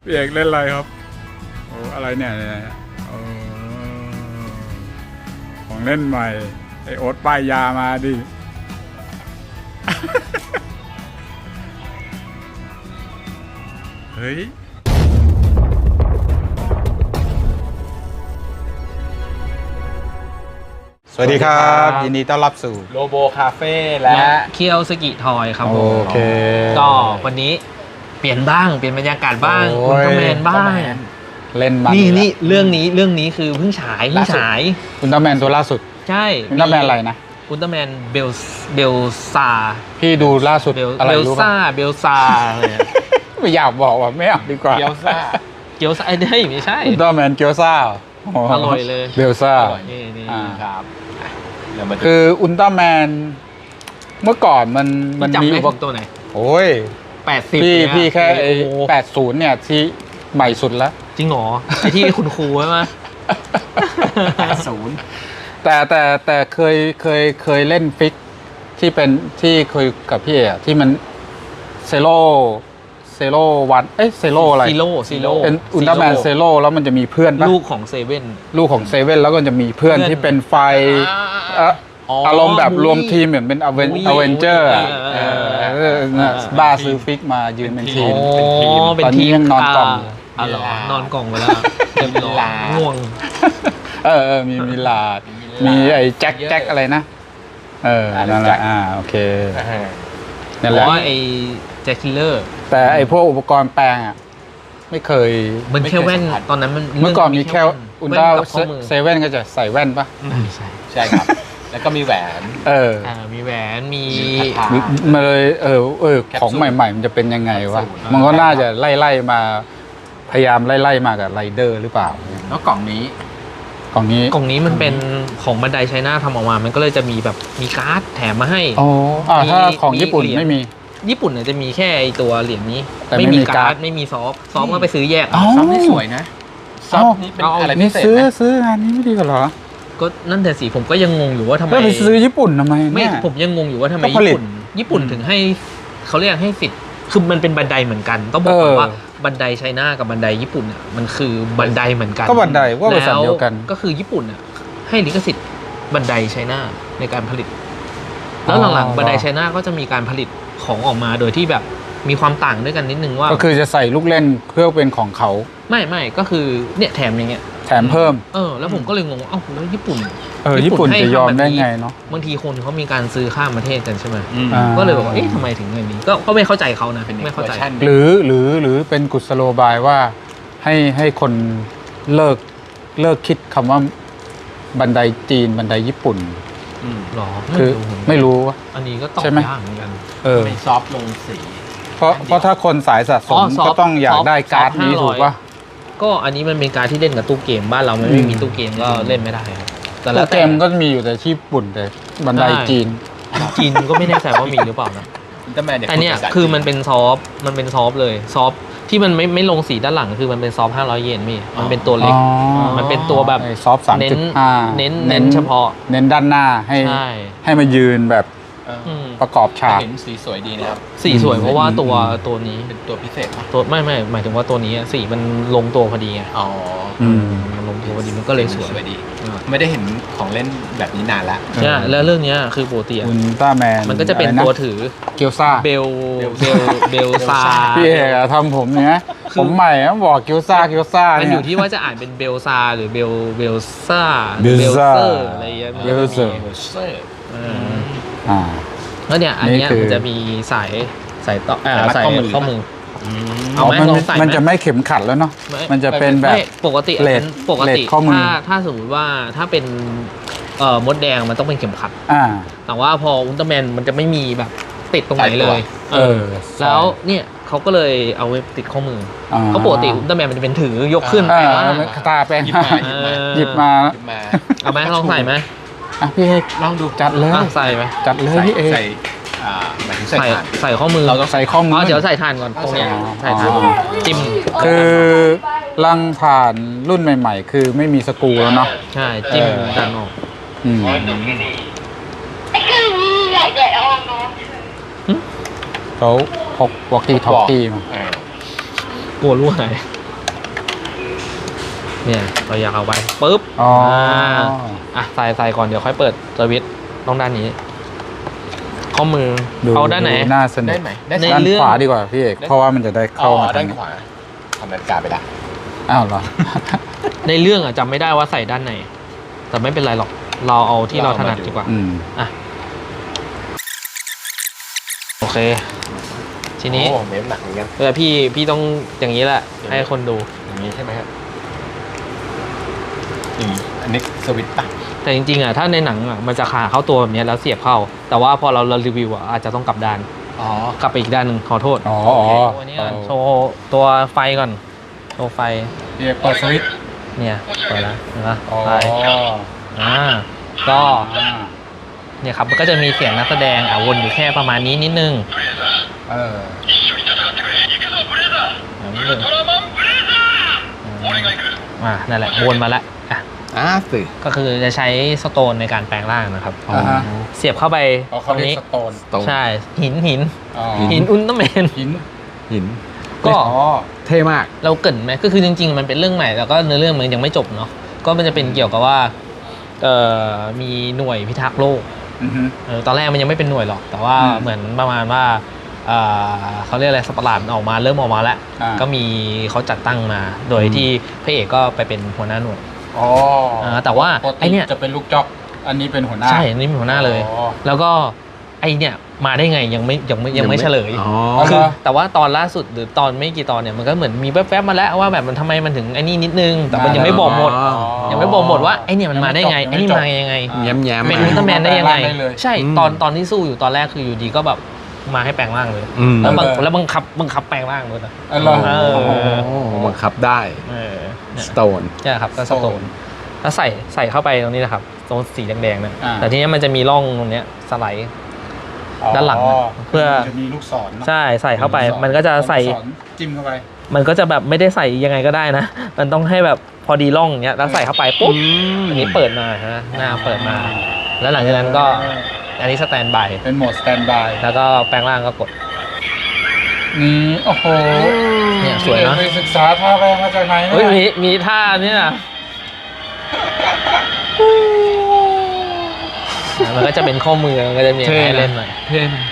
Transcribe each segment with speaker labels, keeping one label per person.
Speaker 1: พี่เอกเล่นอะไรครับโอ้อะไรเนี่ยโอ้ของเล่นใหม่ไอโอ๊ตป้ายยามาดิ เฮ้ยสวัสดีครับยินดีต้อนรับสู่
Speaker 2: โลโบคาเฟ่และ
Speaker 3: เคียวสกิทอยครับ
Speaker 1: โอ
Speaker 3: ผม
Speaker 1: เค
Speaker 3: ก็วันนี้เปลี่ยนบ้างเปลี่ยนบรรยากาศบ้าง
Speaker 1: โอ้
Speaker 3: อุล
Speaker 1: ย
Speaker 3: ตร้าแมนบ้าง
Speaker 1: เล่นมัน
Speaker 3: นี่เรื่องนี้คือเพิ่งฉาย
Speaker 1: อุลตร้าแมนตัวล่าสุด
Speaker 3: ใช่
Speaker 1: อุลตร้าแมนอะไรนะ
Speaker 3: อุลตร้าแมนเบลซา
Speaker 1: พี่ดูล่าสุดอะไร
Speaker 3: เบล
Speaker 1: รู้
Speaker 3: ซา
Speaker 1: ป่ะ
Speaker 3: เบลซาอะไรอะ
Speaker 1: ไม่อยากบอกว่าไม่เอาดีกว่า
Speaker 2: เกี๊ยวซ่า
Speaker 3: เกียวซาไอ้เด้ยไม่ใช่
Speaker 1: อุลตร้าแมนเกียวซ่า
Speaker 3: อร่อยเลย
Speaker 1: เบลซ่า
Speaker 2: อร่อย
Speaker 3: นี่
Speaker 1: อ่า
Speaker 2: ครับเดี๋ยวมาดู
Speaker 1: คืออุลตร้าแมนเมื่อก่อนมัน
Speaker 3: จำ
Speaker 1: มี
Speaker 3: ได้
Speaker 1: อุป
Speaker 3: ผมตัวไหน
Speaker 1: โอ้ย
Speaker 3: 80
Speaker 1: พี่แค่ไอ้
Speaker 3: โอ้โห
Speaker 1: 80เนี่ยที่ใหม่สุดแล้ว
Speaker 3: จริงเหรอไอ้ที่คุณครูใช่ไหม
Speaker 2: 80
Speaker 1: แต่เคยเล่นฟิกที่เป็นที่เคยกับพี่เอ๋ที่มันเซโร่วันเซโร่อะไร
Speaker 3: ซีโร่
Speaker 1: เป็นอุลตร้าแมนเซโร่แล้วมันจะมีเพื่อนปะ
Speaker 3: ลูกของเซเว่น
Speaker 1: ลูกของเซเว่นแล้วก็จะมีเพื่อน
Speaker 3: เพื่อน
Speaker 1: ที่เป็นไฟ
Speaker 3: อ๋อ
Speaker 1: อารมณ์แบบรวมทีมเหมือนเป็นอเวนเจอร์ บ้าซื้อฟิกมายืนเป็นทีม
Speaker 3: เป็น
Speaker 1: ตอนนี้
Speaker 3: ทีม
Speaker 1: ยังนอนกล่อง
Speaker 3: อ๋อเหรอนอนกล่องไปแล้วเต็มร้อยง่วง
Speaker 1: มีมิลาดมีไอ้แจ็คอะไรนะนั่นแหละโอเคนั่นแหละ
Speaker 3: ว่าไอ้แจ็คคิลเลอร์
Speaker 1: แต่ไอ้พวกอุปกรณ์แปลงอ่ะไม่เคย
Speaker 3: มันแค่แว่นตอนนั้นมัน
Speaker 1: เมื่อก่อนมีแค่อุลตร้า
Speaker 3: แว่นกับข้อมือ
Speaker 1: เซเว่นก็จะใส่แว่นปะ
Speaker 3: ใช่
Speaker 2: ใช่ครับ แล้วก็มีแหวน
Speaker 3: มีแหวนมี
Speaker 1: มาเลยของใหม่ๆ มันจะเป็นยังไงวะ
Speaker 2: แคปซูล
Speaker 1: มันก็น่าจะไล่มาพยายามไล่มากับไรเดอร์หรือเปล่า
Speaker 2: แล้วกล่องนี้
Speaker 1: กล่องนี้
Speaker 3: กล่องนี้มันเป็นของบันไดไชน่าทำออกมา มันก็เลยจะมีแบบมีการ์ดแถมมาให้
Speaker 1: อ๋อถ้าของ
Speaker 3: มี
Speaker 1: ญี่ปุ่น
Speaker 3: เหรียญ
Speaker 1: ไม่มี
Speaker 3: ญี่ปุ่นเนี่ยจะมีแค่ไอ้ตัวเหรียญนี้
Speaker 1: แต่ไม่มีการ์ด
Speaker 3: ไม่มีซอฟก็ไปซื้อแยก
Speaker 1: อ๋อ
Speaker 2: ซับนี่สวยนะซับนี่เป็น
Speaker 3: เอา
Speaker 2: อะไรพิ
Speaker 1: นี่
Speaker 2: เศษ
Speaker 1: ซื้อ
Speaker 2: นะ
Speaker 1: งานนี้ไม่ดีกว่าเหรอ
Speaker 3: ก็นั่นแต่สิผมก็ยังงงอยู่ว่าทำไม
Speaker 1: แล้วไปซื้อญี่ปุ่นทำไม
Speaker 3: ไม่
Speaker 1: เนี่ย
Speaker 3: ผมยังงงอยู่ว่าทำไม
Speaker 1: ก็ผลิต
Speaker 3: ญี่ปุ่นถึงให้เขาเรียกให้สิทธิ์คือมันเป็นบันไดเหมือนกันต้องบอกก่อนว่าบันไดไชน่ากับบันไดญี่ปุ่นอ่ะมันคือบันไดเหมือนกัน
Speaker 1: ก็บันไดว่าบริษัทเดียวกัน
Speaker 3: ก็คือญี่ปุ่นอ่ะให้ลิขสิทธิ์บันไดไชน่าในการผลิต แล้วหลังๆบันไดไชน่าก็จะมีการผลิตของออกมาโดยที่แบบมีความต่างด้วยกันนิดนึงว่า
Speaker 1: ก็คือจะใส่ลูกเล่นเพื่อเป็นของเขา
Speaker 3: ไม่ก็คือเนี่ยแถมอย่างเงี้ย
Speaker 1: แถมเพิ่ม
Speaker 3: แล้วผมก็เลยงงว่าเอ้าแล้วญี่ปุ่น
Speaker 1: ญี่ปุ่นจะยอมได้ไง
Speaker 3: ให้ทำแบบนี้
Speaker 1: เนาะ
Speaker 3: บางทีคนเขามีการซื้อข้ามประเทศกันใช่ไหม
Speaker 1: อ่า
Speaker 3: ก็เลยบอกว่าเอ๊ะทำไมถึงอย่างนี้ก็ไม่เข้าใจเขานะ
Speaker 2: เป็นอีก
Speaker 3: ไม่เข้าใจ
Speaker 2: วอร์ชัน
Speaker 1: หรือเป็นกุศโลบายว่าให้คนเลิกคิดคำว่าบันไดจีนบันไดญี่ปุ่น
Speaker 3: หรอ
Speaker 1: คือไม่รู้ว่า
Speaker 3: อันนี้ก็ตอบ
Speaker 1: ใช่ไหม
Speaker 3: ยากเหมือนกัน
Speaker 2: เป็นซอฟต์ลงสี
Speaker 1: เพราะถ้าคนสายสะสม
Speaker 3: ซอฟต์
Speaker 1: ก็ต้องอยากได้การ์ดนี้
Speaker 3: ซอฟต์
Speaker 1: ถูกป่ะ
Speaker 3: ก็อันนี้มันเป็นการที่เล่นกับตู้เกมบ้านเรามันไม่มีตู้เกมก็เล่นไม่ได้ครับแต่แล้
Speaker 1: ตัว วเก
Speaker 3: แต่
Speaker 1: มก็มีอยู่แต่ที่ญี่ปุ่นแต่บันไดจีน
Speaker 3: จีนก็ไม่แน่ใจว่ามีหรือเปล่านะ
Speaker 2: อุลตร้าแมนเนี่ย
Speaker 3: แต่เนี่ยคือมันเป็นซอฟต์เลยซอฟต์ที่มันไม่ลงสีด้านหลังคือมันเป็นซอฟต์500 เยนพี่มันเป็นตัวเล็ก มันเป็นตัวแบบ
Speaker 1: ซอฟต์
Speaker 3: เน้น
Speaker 1: 3.5
Speaker 3: เน้นเฉพาะ
Speaker 1: เน้นด้านหน้าให้
Speaker 3: ใช่
Speaker 1: ให้มายืนแบบ
Speaker 3: อืม
Speaker 1: ประกอบฉาก
Speaker 2: เห็นสีสวยดีนะครับ
Speaker 3: สีสวยเพราะว่าตัวนี้
Speaker 2: เป็นตัวพิเศษปะ
Speaker 3: ตัวไม่หมายถึงว่าตัวนี้อะสีมันลงตัวพอดีไง
Speaker 2: อ๋อ
Speaker 3: มันลงตัวพอดีมันก็เลยสวย
Speaker 2: สวยดี ไม่ได้เห็นของเล่นแบบนี้นานละ
Speaker 3: ใช่แล้วเรื่องเนี้ยคือปกติอะ
Speaker 1: อุลตร้าแมน
Speaker 3: มันก็จะเป็นตัวถือ
Speaker 1: เกียวซ่า
Speaker 3: เบลซา
Speaker 1: พี่เอกอะทำผมเนี่ยผมใหม่อะบอกเกียวซ่า
Speaker 3: มัน
Speaker 1: เนี่
Speaker 3: อย ยู่ที่ว่าจะอ่านเป็นเบลซาหรือเบลซ่า
Speaker 1: เบลซ่า
Speaker 3: เซอร์อะไรอย่างเงี้ย
Speaker 1: เบลเซอร์
Speaker 2: เซอร์
Speaker 1: อ่า
Speaker 3: แล้วเนี่ยอันเนี้ย
Speaker 1: นี่คือ
Speaker 3: มันจะมีสายต่อสายข้อมือ เอาไหม
Speaker 1: มัน
Speaker 3: ลองใส่ไหม
Speaker 1: มันจะไม่เข็มขัดแล้วเนาะ
Speaker 3: ไม่
Speaker 1: มันจะเป็นแบบ
Speaker 3: ไม่ปกติ
Speaker 1: เลส
Speaker 3: ปกติ
Speaker 1: เลสข้อมือ
Speaker 3: ถ้าสมมติว่าถ้าเป็นมดแดงมันต้องเป็นเข็มขัด
Speaker 1: อ่า
Speaker 3: แต่ว่าพออุลตร้าแมนมันจะไม่มีแบบติดตรงไหนเลย แล้วเนี่ยเขาก็เลยเอาไว้ติดข้อมืออเพราะปกติอุลตร้าแมนมันจะเป็นถือยกขึ้น
Speaker 1: อ่า
Speaker 3: แต่ว่า
Speaker 1: ตาแปลง
Speaker 2: หยิบ
Speaker 1: มา
Speaker 2: มา
Speaker 1: หยิบมา
Speaker 2: หยิบมา
Speaker 3: เอาไหมลองใส่ไหม
Speaker 1: อ่ะพี่เอก
Speaker 2: ลองดู
Speaker 1: จัดเลย
Speaker 3: ใส่ไหม
Speaker 1: จัดเลยพี่เอก
Speaker 2: ใส่หมายถึงใส่
Speaker 3: ใส่
Speaker 2: ถ่าน
Speaker 3: ใส่ข้อมือ
Speaker 2: เราต้อง
Speaker 1: ใส่ข้อมือ
Speaker 3: เดี๋ยวใส่ถ่านก่อนตรงเนี้ย
Speaker 1: อ๋อ
Speaker 3: ใส่ถ่านจิ้ม
Speaker 1: คือลังผ่านรุ่นใหม่ๆ คือไม่มีสกรูแล้วเนาะ
Speaker 3: ใช่จิ้มดันออก
Speaker 1: อืมเขาพกวอกกี้ท็อกกี้มา
Speaker 2: เออ
Speaker 3: กลัวรั่วไหนเนี่ยเราอยากเอาไปปุ๊บ
Speaker 1: อ๋อ
Speaker 3: ใส่ก่อนเดี๋ยวค่อยเปิดสวิตช์ต้องด้านนี้ข้อมือ
Speaker 1: ดู
Speaker 3: เอาด้านไหน
Speaker 1: น่าสนุ
Speaker 2: ได้
Speaker 1: ก
Speaker 2: ไหมได้
Speaker 3: ใน
Speaker 2: สิ
Speaker 1: ด้าน
Speaker 3: เรื่อง
Speaker 1: ขวาดีกว่าพี่เอกเพราะว่ามันจะได้เข้ามา
Speaker 2: ด้า
Speaker 1: ทาน งนี้
Speaker 2: ขวาทำนาฬิกาไปละ
Speaker 1: อ้าวเหรอ
Speaker 3: ในเรื่องอะจำไม่ได้ว่าใส่ด้านไหน แต่ไม่เป็นไรหรอกเราเอาที่เราถนัดดีกว่า
Speaker 1: อืม
Speaker 3: อ่ะโอเค ทีนี้
Speaker 2: โอ้เมฟหนักเหมือนกัน
Speaker 3: พี่ต้องอย่างนี้แหละ ให้คนดู
Speaker 2: อย่างนี้ใช่ไหมครับอันนี้สวิตช์ปะ
Speaker 3: แต่จริงๆอ่ะถ้าในหนังอ่ะมันจะขาเข้าตัวแบบนี้แล้วเสียบเข้า แต่ว่าพอเรารีวิวอ่ะอาจจะต้องกลับด้าน
Speaker 2: อ๋อก
Speaker 3: ลับไปอีกด้านหนึ่งขอโทษ
Speaker 1: อ๋อ
Speaker 3: ตัวนี้ก่อนโชว์ตัวไฟก่อนโชว์ไฟ
Speaker 1: พี่เอกเปิดสวิตช์
Speaker 3: เนี่ยเปิดแล้วเห็นปะ
Speaker 1: อ๋อ
Speaker 3: ไฟก็
Speaker 1: อ่า
Speaker 3: เนี่ยครับมันก็จะมีเสียงนักแสดงวนอยู่แค่ประมาณนี้นิดนึง
Speaker 1: เออ
Speaker 3: นิดนึงนั่นแหละวนมาแล้ว
Speaker 2: สิ
Speaker 3: ก็คือจะใช้สโตนในการแปลงร่างนะครับ
Speaker 1: อ่าฮะ
Speaker 3: เสียบเข้าไป
Speaker 1: อ๋อ
Speaker 3: ต
Speaker 1: เขา
Speaker 3: รง
Speaker 1: เรีย
Speaker 3: นี้
Speaker 1: กสโตน
Speaker 3: ใช่หิน
Speaker 1: อ๋อ
Speaker 3: หินอุลตร้าแมน
Speaker 1: หิน
Speaker 3: ก็
Speaker 1: อ๋อ
Speaker 2: เท่มาก
Speaker 3: เราเกรินไหมก็คือจริงๆมันเป็นเรื่องใหม่แล้วก็เนื้อเรื่องมันยังไม่จบเนาะก็มันจะเป็นเกี่ยวกับว่ามีหน่วยพิทักษ์โลก
Speaker 1: อือฮึ
Speaker 3: ตอนแรกมันยังไม่เป็นหน่วยหรอก แต่ว่า
Speaker 1: อืม
Speaker 3: เหมือนประมาณว่าเขาเรียกอะไรสัตว์ประหลาดมันออกมาเริ่มออกมาแล้ว
Speaker 1: อ่า
Speaker 3: ก็มีเขาจัดตั้งมา โดยที่พระเอกก็ไปเป็นหัวหน้าหน่วย
Speaker 1: อ๋อ
Speaker 3: แต่ว่า
Speaker 1: ปกติ
Speaker 3: ไอ้เนี่ย
Speaker 1: จะเป็นลูกจ๊อกอันนี้เป็นหัวหน้า
Speaker 3: ใช่นี่เป็นหัวหน้าเลย
Speaker 1: อ๋อ
Speaker 3: แล้วก็ไอเนี่ยมาได้ไงยังไม่เฉลย
Speaker 2: อ๋อ
Speaker 3: คือ
Speaker 1: เหรอ
Speaker 3: แต่ว่าตอนล่าสุดหรือตอนไม่กี่ตอนเนี่ยมันก็เหมือนมีแวบๆมาแล้วว่าแบบมันทำไมมันถึงไอ้นี่นิดนึง แต่มันยังไม่บอกหมด
Speaker 2: อ๋อ
Speaker 3: ยังไม่บอกหมดว่าไอ้เนี่ยมันมาได้ไง
Speaker 1: ยัง
Speaker 3: ไอ้
Speaker 1: ไม่
Speaker 3: นี่
Speaker 1: จบ
Speaker 3: มายังไง
Speaker 1: อ่า
Speaker 2: แย้มๆ
Speaker 3: เป็น
Speaker 2: มา
Speaker 3: อุลตร้าแมนได้ยังไง
Speaker 1: แปลงร่างได้เลย
Speaker 3: ใช่
Speaker 2: อืม
Speaker 3: ตอนที่สู้อยู่ตอนแรกคืออยู่ดีก็แบบมาให้แปลงร่างเลย
Speaker 2: อืม
Speaker 3: แล้วบังคับแปลงร่างด้วยนะ
Speaker 1: อ๋อเหรอ
Speaker 3: เออ
Speaker 2: บังคับได้
Speaker 3: เนี่ย
Speaker 2: สโตน
Speaker 3: ใช่ครับก็สโตนแล้วใส่เข้าไปตรงนี้นะครับตรงสีแดงๆเนี่ย
Speaker 1: อ่า
Speaker 3: แต่ทีนี้มันจะมีร่องตรงเนี้ยสไลด์ ด้านหลัง
Speaker 1: อ๋อ
Speaker 3: เพื่อ
Speaker 1: จะมีลูกศรเนอะ
Speaker 3: ใช่ใส่เข้าไป
Speaker 1: ลูศร
Speaker 3: มันก็จะใส่
Speaker 1: ลูกศรจิ้มเข้าไป
Speaker 3: มันก็จะแบบไม่ได้ใส่ยังไงก็ได้นะ มันต้องให้แบบพอดีร่องอย่างเงี้ยแล้วใส่เข้าไปปุ๊บอันนี้เปิดมาฮะหน้าเปิดมา แล้วหลังจากนั้นก็อันนี้สแตนบาย
Speaker 1: เป็นโหมดสแตนบาย
Speaker 3: แล้วก็แปลงร่างก็กด
Speaker 1: นี่โอ้โห
Speaker 3: เนี่ยสวยเนอะ
Speaker 1: ไปศึกษาท่าแรงมาจากไหน
Speaker 3: เฮ้ย
Speaker 1: เนี่ย
Speaker 3: มีท่าเนี่ยมันก็จะเป็นข้อมือมันก็จะมี
Speaker 2: เท่
Speaker 3: ให้
Speaker 2: นะ
Speaker 3: เล่นหน่อย
Speaker 2: เท่นะ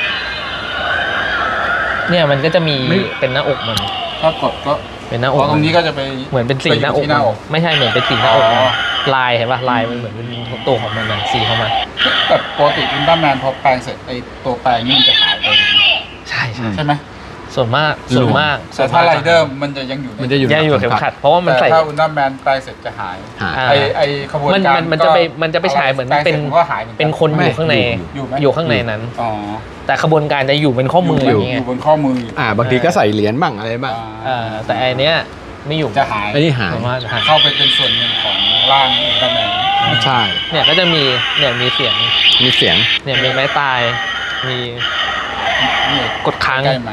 Speaker 3: เนี่ยมันก็จะมี
Speaker 2: ไม่
Speaker 3: เป็นหน้าอกมัน
Speaker 1: ถ้ากดก็
Speaker 3: เป็นหน้าอ
Speaker 1: เพ
Speaker 3: ก
Speaker 1: ราะตรงนี้ก็จะไป
Speaker 3: เหมือนเป็นสีหน้าอก
Speaker 1: ไปยู่ที่หน้าอก
Speaker 3: ไม่ใช่เหมือนเป็นสีหน้าอก
Speaker 1: อ๋อ
Speaker 3: ลายเห็นป่ะลายมันเหมือนเป็นตัวของมันนะสีของมัน
Speaker 1: แบบปกติอุลตร้าแมนพอแปลงเสร็จไอตัวแปลงนี่มันจะหายไป
Speaker 3: ใช่ใช่
Speaker 1: ใช่ไหม
Speaker 3: ส่วนมาก
Speaker 1: แต่ถ้าไรเดอร์มันจะยังอยู่ใน
Speaker 2: มันจะอยู่
Speaker 3: ยังอยู่กับเข็มขัด เพราะว่ามัน
Speaker 1: แต่
Speaker 3: ใส่
Speaker 1: ถ้าอุลตร้าแมนแปลงเสร็จจะหาย
Speaker 2: หา
Speaker 3: อ่า
Speaker 1: ไอขบวนการ
Speaker 3: มันจะไปฉายเหมือน
Speaker 1: แปลงส
Speaker 3: เป็
Speaker 1: ร็
Speaker 3: น
Speaker 1: จก็หายหมือกั
Speaker 3: เป็นคนอยู่ข้างใน
Speaker 1: อยู่ไหม
Speaker 3: อยู่ข้างในนั้น
Speaker 1: อ๋อ
Speaker 3: แต่ขบวนการจะอยู่เป็นข้อมืออย่างเงี้
Speaker 1: อย ยู่บนข้อมืออยู่
Speaker 2: บางทีก็ใส่เหรียญบ้างอะไรบ้าง
Speaker 3: แต่อันเนี้ยไม่อยู่
Speaker 1: จะหาย
Speaker 2: ไอ้นี่หาย
Speaker 3: ส่วนมากจะหาย
Speaker 1: เข้าไปเป็นส่วนหนึ่งของร่างอุลตร้าแมน
Speaker 2: ใช่
Speaker 3: เนี่ยก็จะมีเนี่ยมีเสียง
Speaker 2: มีเสียง
Speaker 3: เนี่ยมีไม้ตายมี
Speaker 1: นี่
Speaker 3: กดค้าง
Speaker 1: ใกล้ไหม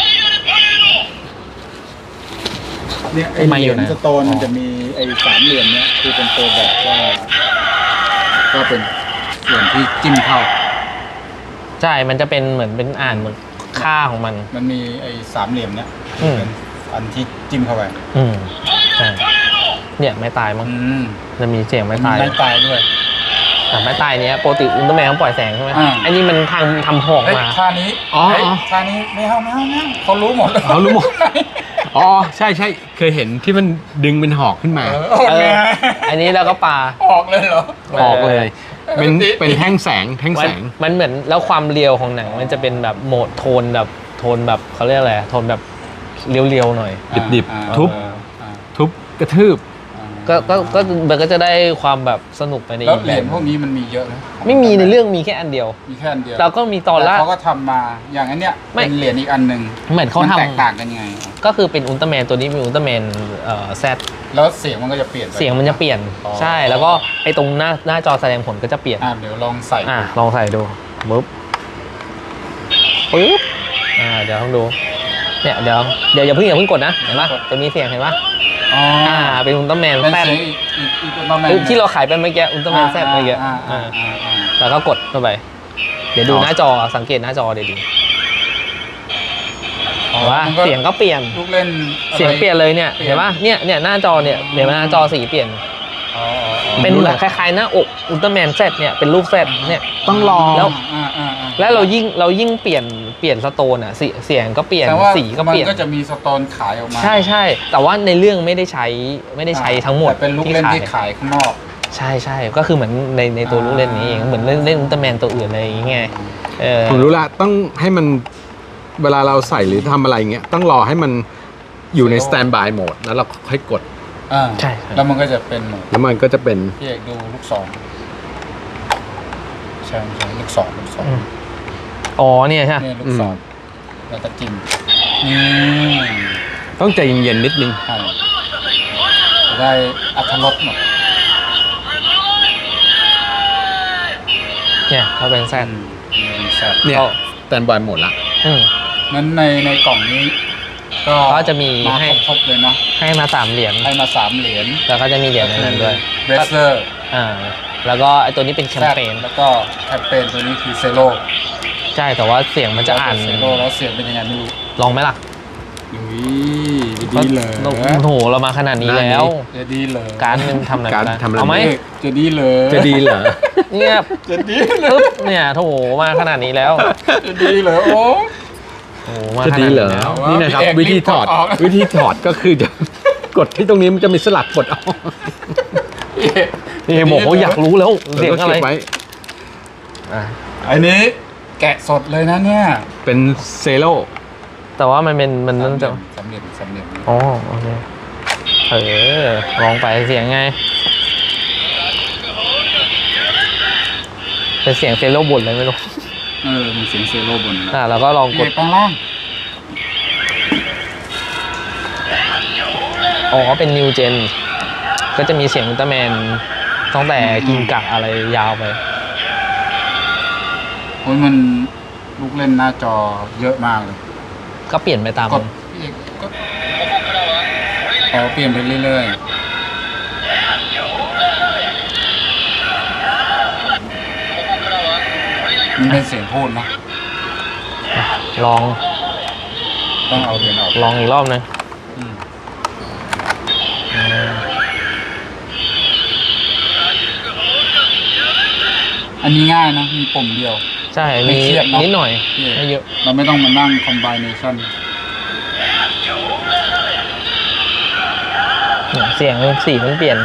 Speaker 1: เนี่ยไอ
Speaker 3: ไม่
Speaker 1: เห
Speaker 3: อยู่
Speaker 1: รียญ
Speaker 3: นะ
Speaker 1: สโตนมันจะมีไอสามเหลี่ยมเนี้ยคือเป็นตัวแบบว่าก็เป็นส่วนที่จิ้มเข้า
Speaker 3: ใช่มันจะเป็นเหมือนเป็นอ่านเหมือนค่าของมัน
Speaker 1: มันมีไอ้สามเหลี่ยมเนี้ย
Speaker 3: อืม
Speaker 1: เป็นอันที่จิ้มเข้าไป
Speaker 3: ใช่เนี่ยไม้ตายมั้ง
Speaker 1: อืม
Speaker 3: จะมีเสียง
Speaker 1: มั
Speaker 3: ไม้
Speaker 1: นมี
Speaker 3: ตาย
Speaker 1: ไม้ตายด้วย
Speaker 3: แต่ไม้ตายเนี้ยปกติอุลตร้าแมนเขาปล่อยแสงใช่ไหม
Speaker 1: อ่า
Speaker 3: อันนี้มันทำหอก
Speaker 1: เฮ้ย
Speaker 3: มา
Speaker 1: ท่านี้
Speaker 2: อ๋อ
Speaker 1: เฮ้ย
Speaker 2: อ๋อ
Speaker 1: ท่านี้ไม่เอาเขารู้หมด
Speaker 2: เขารู้หมด อ๋อใช่ใช่เคยเห็นที่มันดึงเป็นหอกขึ้นมา
Speaker 1: ออก
Speaker 3: เอ
Speaker 1: ไง
Speaker 3: ออันนี้แล้วก็ปลา
Speaker 1: ออกเลยเหรอ
Speaker 2: ออกเลย เป็น
Speaker 1: ปกติ
Speaker 2: เป็นแท่งแสงแท่งแสง
Speaker 3: มันเหมือนแล้วความเรียวของหนังมันจะเป็นแบบโหมดโทนแบบเขาเรียกอะไรโทนแบบเรียวๆหน่อย
Speaker 2: ดิบๆ
Speaker 1: อ่า
Speaker 2: ทุบ
Speaker 1: อ่า
Speaker 2: ทุบกระทืบ
Speaker 3: ก็มันก็จะได้ความแบบสนุกไปใน
Speaker 1: แล้ว
Speaker 3: อีก
Speaker 1: เห
Speaker 3: แบ
Speaker 1: รีย
Speaker 3: บ
Speaker 1: ญพวกนี้มันมีเยอะนะ
Speaker 3: ไม่มีในเรื่องมีแค่อันเดียว
Speaker 1: มีแค่อันเดียว
Speaker 3: เราก็มีตอนละ
Speaker 1: แต่เขาก็ทำมาอย่างอันเนี้ย
Speaker 3: ไม่
Speaker 1: เป็นเหรียญอีกอันหนึ่ง
Speaker 3: เหมือนเขา
Speaker 1: มัน
Speaker 3: ทำ
Speaker 1: แตกต่างกันยังไง
Speaker 3: ก็คือเป็นอุลตร้าแมนตัวนี้มีอุลตร้าแมนแซด
Speaker 1: แล้วเสียงมันก็จะเปลี่ยนไป
Speaker 3: เสียงมันจะเปลี่ยน
Speaker 1: อ๋อ
Speaker 3: ใช่แล้วก็ไอ้ตรงหน้าจอแสดงผลก็จะเปลี่ยน
Speaker 1: เดี๋ยวลองใส่
Speaker 3: ลองใส่ดูปึ๊บเดี๋ยวลองดูเนี่ยเดี๋ยวอย่าเพิ่งกดนะเห็นปะจะมีเสียงเห็นปะ
Speaker 1: อ๋อ
Speaker 3: เป็นอุลตร้าแมน
Speaker 1: เป็น
Speaker 3: แซด
Speaker 1: เสียงอีกอุลตร้าแมน
Speaker 3: ที่เราขายไปเมื่อกี้อุลตร้าแมนแซดเมื่อกี้ แล้วก็กดเข้าไป เดี๋ยวดูหน้าจอสังเกตหน้าจอดี
Speaker 1: อ๋อ
Speaker 3: ว่า
Speaker 1: มันก็
Speaker 3: เสียงก็เปลี่ยน
Speaker 1: ลูกเล่นอะไร
Speaker 3: เสียงเปลี่ยนเลยเนี่ย
Speaker 1: เปลี่ยน
Speaker 3: เห็นปะเนี่ยหน้าจอเนี่ยเดี๋ยวหน้าจอสีเปลี่ยน
Speaker 1: อ๋ออ๋ออ๋อ
Speaker 3: เป็นเหมือนคล้ายๆหน้าอกอุลตร้าแมนเซตเนี่ยเป็นรูปเซตเนี่ย
Speaker 2: ต้องรอ
Speaker 3: แล้ว
Speaker 1: อ่า
Speaker 3: แล้วเรายิ่งเปลี่ยนสโตนอ่ะเสียงก็เปลี่ยน
Speaker 1: แต่ว่า
Speaker 3: สีก็เปลี่ยน
Speaker 1: มันก็จะมีสโตนขายออกมา
Speaker 3: ใช่แต่ว่าในเรื่องไม่ได้ใช้ทั้งหมด
Speaker 1: แต่เป็นลูกเล่นที่ขายข้างนอก
Speaker 3: ใช่ก็คือเหมือนในตัวลูกเล่นนี้เองเหมือนเล่นอุลตร้าแมนตัวอื่นอะไรอย่างเงี้ยเออ
Speaker 2: ผมรู้ละต้องให้มันเวลาเราใส่หรือทำอะไรเงี้ยต้องรอให้มันอยู่ในสแตนบายโหมดแล้วเราค่อยกด
Speaker 3: ใช่
Speaker 1: แล้วมันก็จะเป็นหมด
Speaker 2: แล้วมันก็จะเป็น
Speaker 1: พี่เอกดูลูกศรใช่ลูกศร
Speaker 3: อ๋อเนี่ยใช่
Speaker 1: เนี่ยลูกศรแล้วก็จิ้มนี่
Speaker 2: ต้องใจเย็นๆนิดนึง
Speaker 1: ใช่จะได้อรรถรสหมด
Speaker 3: เนี่ยเขาเป็นแซด
Speaker 1: มีแซ่บ
Speaker 2: เนี่ย
Speaker 3: ก็
Speaker 2: สแตนบายโหมดละ
Speaker 1: นั้นในกล่องนี้ ก็
Speaker 3: ก็จะมี
Speaker 1: มา
Speaker 3: ให้
Speaker 1: ครบๆเลยเนาะ
Speaker 3: ให้มา3 เหรียญ
Speaker 1: ให้มา3 เหรียญ
Speaker 3: แล้วก็จะมีเหรียญในนั้นด้วย
Speaker 1: เบสเลอร์
Speaker 3: แล้วก็ไอตัวนี้เป็นแคมเปญ
Speaker 1: แล้วก็แคมเปญตัวนี้คือเซโร่
Speaker 3: ใช่แต่ว่าเสียงมันจะอ่าน
Speaker 1: เซโร่แล้วเสียงเป็นยังไงไม่รู้
Speaker 3: ลองไหมล่ะ
Speaker 1: ดีเลย
Speaker 3: โอ้โหเรามาขนาดนี้แล้ว
Speaker 1: จะดีเลย
Speaker 3: การดมันทำอะไร
Speaker 2: การด
Speaker 3: ไม่ได้
Speaker 2: ทำอะไร
Speaker 3: เอาไหม
Speaker 1: จะดีเลย
Speaker 2: จะดีเหรอ
Speaker 3: เงียบ
Speaker 1: จะดีเลย
Speaker 3: ปึ๊บเนี่ยโถมาขนาดนี้แล้ว
Speaker 1: จะดีเลยโอ้
Speaker 3: โอ้มา
Speaker 2: จะ
Speaker 3: ข
Speaker 2: ดี
Speaker 3: นาด
Speaker 2: เหรอ
Speaker 3: นี้แล้ว
Speaker 2: นี่นะครับ
Speaker 1: พี่เอก
Speaker 2: วิธีถอด
Speaker 1: รีบกดออก
Speaker 2: วิธีถอดก็คือจะ กดที่ตรงนี้มันจะมีสลักกดเอา
Speaker 3: นี่บอกเขาอยากรู้แล้วเสียง
Speaker 2: แล้วก็
Speaker 3: อะไร
Speaker 2: เก็บไว้
Speaker 3: อ่ะ
Speaker 1: อันนี้แกะสดเลยนะเนี่ย
Speaker 2: เป็นเซโล
Speaker 3: แต่ว่ามันนั่นจะ
Speaker 1: สำเร็จ
Speaker 3: อ๋อโอเคลองไปเสียงไงเป็นเสียงเซโลบ่นเลยไม่รู้
Speaker 1: มีเสียงเซโร่บน
Speaker 3: แล้วก็ลองก
Speaker 1: เก็
Speaker 3: ด
Speaker 1: บข้างล่าง
Speaker 3: อ๋อเป็นนิวเจนก็จะมีเสียงอุลตร้าแมนตั้งแต่กินกะอะไรยาวไป
Speaker 1: โอ้ยมันลูกเล่นหน้าจอเยอะมากเลย
Speaker 3: ก็เปลี่ยนไปตาม
Speaker 1: กดพี่เอกก็เปลี่ยนไปเรื่อยๆมันเป็นเสียงพูดนะ
Speaker 3: ลอง
Speaker 1: ต้องเอาเหรียญออก
Speaker 3: ลองอีกรอบนึง
Speaker 1: อืมอันนี้ง่ายนะ มีปุ่มเดียว
Speaker 3: ใช่
Speaker 1: ไม่
Speaker 3: มี
Speaker 1: เครียดเนอะ
Speaker 3: นิดหน่อย
Speaker 1: พี่เอก
Speaker 3: ไม่เยอะ
Speaker 1: เราไม่ต้องมานั่งคอมไบเนชั่น
Speaker 3: เนี่ยเสียงสีมันเปลี่ยน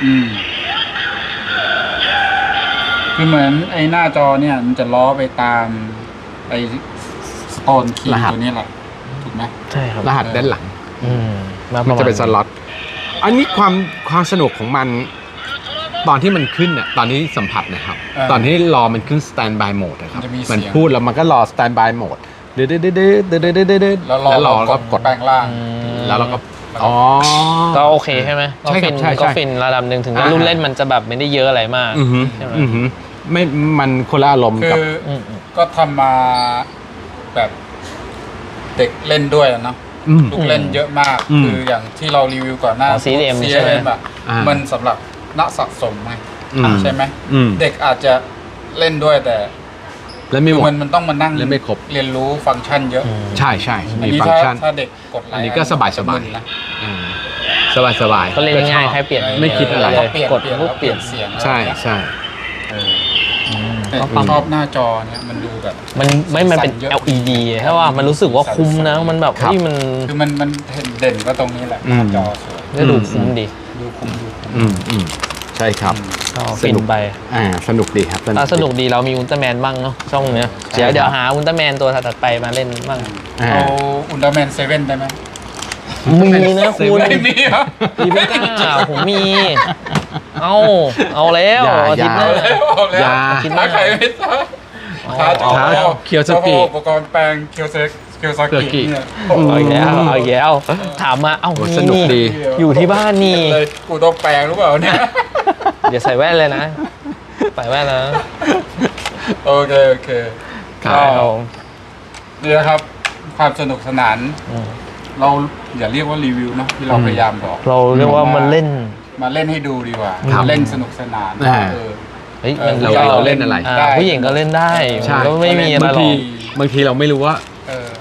Speaker 1: คือเหมือนไอ้หน้าจอเนี่ย มันจะล้อไปตามไอ้สโตนคี
Speaker 2: รหั
Speaker 1: ย์
Speaker 2: ส
Speaker 1: ตัวนี้แหละ ถูกไหม
Speaker 3: ใช่ครับ
Speaker 2: รหัสด้านหลัง
Speaker 3: มา
Speaker 2: มันจะเป็นสล็อต อันนี้ความสนุกของมัน ตอนที่มันขึ้นเนี่ยตอนนี้สัมผัสนะครับ ตอนที่รอมันขึ้นสแตนบายโหมดนะครับ มันพูดแล้วมันก็รอสแตนบายโหมดเดือดแล้วรอแล้วก็กด
Speaker 1: แปลงล่าง
Speaker 2: แล้วเราก็อ๋อ
Speaker 3: ก็โอเคใช่ไหมก็
Speaker 2: ใช่ครั
Speaker 3: ฟิ
Speaker 2: บ
Speaker 3: น
Speaker 2: ใช่
Speaker 3: ก็ฟินระดับหนึ่งถึงแม้รุ่นเล่นมันจะแบบไม่ได้เยอะอะไรมาก
Speaker 2: อือหือ
Speaker 3: ใช่ไหม
Speaker 2: อือหือไม่มันคนละอารมณ์
Speaker 1: คื
Speaker 2: กับ
Speaker 1: อก็ทำมาแบบเด็กเล่นด้วยอะเนาะ ลูกเล่นเยอะมาก คืออย่างที่เรารีวิวก่อนหน้า
Speaker 3: CDM
Speaker 1: พวก
Speaker 3: ใช่ไหม
Speaker 1: CDM อะมันสำหรับนักสะสมไงใช่ไหม เด็กอาจจะเล่นด้วยแต่
Speaker 2: แล้วไม่หมด
Speaker 1: มันต้องมานั่ง
Speaker 2: และไม่ครบ
Speaker 1: เรียนรู้ฟังก์ชันเยอะ
Speaker 2: ใช่ใช่
Speaker 1: อัน
Speaker 2: มี
Speaker 1: นี้
Speaker 2: ฟังก์ชัน
Speaker 1: ถ้าเด็กกดไลค์
Speaker 2: อันนี้ก็สบายๆ
Speaker 1: นะ
Speaker 2: สบายสบาย
Speaker 3: ก็เล่นง่ายๆแค่เปลี่ยน
Speaker 2: ไม่คิดอะไร
Speaker 1: แล้วเปลี่ยน
Speaker 3: กด
Speaker 1: เปลี่ยน
Speaker 3: ปุ๊บ
Speaker 1: แล้ว
Speaker 3: เป
Speaker 1: เป
Speaker 3: ลี่
Speaker 1: ลี่
Speaker 3: ย
Speaker 1: ย
Speaker 3: น
Speaker 1: นเสียง
Speaker 2: ใช่ใช่
Speaker 1: แต่
Speaker 3: ก็ปั๊ม
Speaker 1: ชอบหน้าจอเนี่ยมันดูแบบ
Speaker 3: มันเป็น
Speaker 1: สั่นเยอะ
Speaker 3: LED เพราะว่ามันรู้สึกว่าคุ้มนะมันแบบ
Speaker 2: ครับ
Speaker 3: เฮ้ยมัน
Speaker 1: คือมันเห็นเด่นก็ตรงนี้แหละหน้าจอสวย
Speaker 3: ก็ดูคุ้มดี
Speaker 1: ดูคุ้ม
Speaker 2: ใช่ครับ
Speaker 3: ก็
Speaker 2: ส
Speaker 3: ฟิน
Speaker 2: นุก
Speaker 3: ไป
Speaker 2: สนุกดีครับ
Speaker 3: สนุกดีเรามีอุลตร้าแมนบ้างเนาะช่องเนี้ย
Speaker 2: ใช่
Speaker 3: เดี๋ยว
Speaker 2: ครับ
Speaker 3: หาอุลตร้าแมนตัวถัดๆไปมาเล่นบ้าง
Speaker 1: เอาอุลตร้าแมนเซเว่นได้ไหม
Speaker 3: มีนะคุณ
Speaker 1: ไม่มีเหรอ
Speaker 3: มีไม่กล้าผมมี เอาแล้ว
Speaker 2: อย่า
Speaker 3: อาทิตย์หน้า
Speaker 1: เอาแล้ว
Speaker 2: อย่า
Speaker 1: ถ้าใครไม่ทราบ
Speaker 3: เอา
Speaker 1: ท้าเจ้า
Speaker 2: ท้า
Speaker 1: พ่อ
Speaker 2: เคียวซากิ
Speaker 1: เจ้าพ่ออุปกรณ์แปลงเคียวซา
Speaker 2: เคียวซากิ
Speaker 1: กิเนี่ย
Speaker 3: เอาอีกแล้วถามมาเอ้า
Speaker 2: โอ้
Speaker 3: มี
Speaker 2: สนุกดี
Speaker 3: อยู่ที่บ้านนี่
Speaker 1: เลยกูต้องแปลงหรือเปล่าเนี่ย
Speaker 3: เดี๋ยวใส่แว่นเลยนะใส่แว่นนะ
Speaker 1: โอเค
Speaker 2: ครับ
Speaker 1: ก็นี่นะครับความสนุกสนาน
Speaker 3: อืม
Speaker 1: เราอย่าเรียกว่ารีวิวเนอะที่เราพยายามบอก
Speaker 3: เราเรียกว่ามันเล่น
Speaker 1: มาเล่นให้ดูดีกว่า
Speaker 2: ครับ
Speaker 1: เล่นสนุกสนาน
Speaker 2: อ่า
Speaker 3: เฮ้ย
Speaker 1: ออ
Speaker 2: เราเล่นอะไร
Speaker 3: ผู้หญิงก็เล่นได้
Speaker 2: ใช่
Speaker 3: ก็ไม่มีอะไรหรอก
Speaker 2: บางทีเราไม่รู้ว่า
Speaker 1: เออ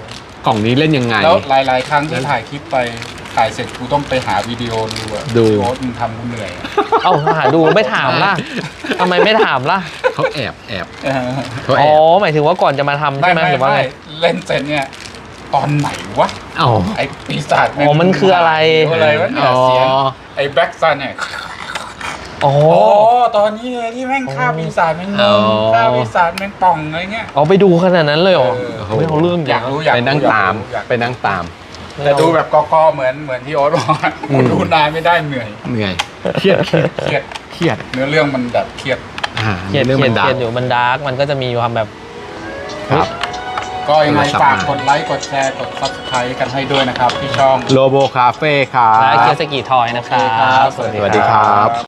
Speaker 2: ล่องนี้เล่นยังไง
Speaker 1: แล้วหลายๆครั้งที่ถ่ายคลิปไปถ่ายเสร็จกูต้องไปหาวิดีโอดูอะ
Speaker 2: ดู
Speaker 1: โอ๊ตมึงทำกูเหนื่อยอะ
Speaker 3: เอ้าหาดูไม่ถามล่ะทำไมไม่ถามล่ะ
Speaker 2: เขาแอบ
Speaker 1: เออ
Speaker 2: เขา
Speaker 3: อ๋
Speaker 2: แอ
Speaker 3: อบ หมายถึงว่าก่อนจะมาทำใช่ไหมหรือว่าไง
Speaker 1: เล่นเสร็จเนี่ย ตอนไหนวะ
Speaker 2: อ๋อ
Speaker 1: ไอ้ปีศาจ
Speaker 3: อ๋อมันคืออะไร
Speaker 1: อะไรวะเนี่ยเสียงไอ้แบ็กซันเนี่ย
Speaker 3: อ๋อ
Speaker 1: โอ้ตอนนี้ไงที่แม่งฆ่าปีศาจแม่งงงฆ่าปีศาจแม่งป่องอะไรเงี้ย
Speaker 3: เอาไปดูขนาดนั้นเลยเหรอ
Speaker 1: เออ
Speaker 3: ไม่เอาเรื่อง
Speaker 1: อยากรู้อยาก
Speaker 2: ไป
Speaker 1: รู้
Speaker 2: นั่งตาม
Speaker 1: อยาก
Speaker 2: ไปนั่งตาม
Speaker 1: แต่ดูแบบกอๆเหมือนที่โอ๊ตบอกอะ
Speaker 2: อืม
Speaker 1: ดูนานไม่ได้เหนื่อย
Speaker 2: เหนื่อยเครียด
Speaker 1: เครียด
Speaker 2: เครียด
Speaker 1: เนื้อเรื่องมันแบบเครียด
Speaker 3: เขียน
Speaker 2: เรื่อง
Speaker 3: เขี
Speaker 2: มั
Speaker 3: ยน
Speaker 2: นดั
Speaker 3: เขี
Speaker 2: ง
Speaker 3: ยนอยู่มันดาร์กมันก็จะมีความแบบ
Speaker 2: ครับ
Speaker 1: ก็ยังไง
Speaker 2: โทรศัพท์
Speaker 1: ฝาก
Speaker 2: มา
Speaker 1: กดไลค์กดแชร์กด subscribe กันให้ด้วยนะครับที่ช่อง
Speaker 2: โลโบคาเฟ่ครั
Speaker 3: และ
Speaker 2: บ
Speaker 3: เคียสกิทอยนะครับ
Speaker 1: โอเคครับ
Speaker 2: สวัสดีครับ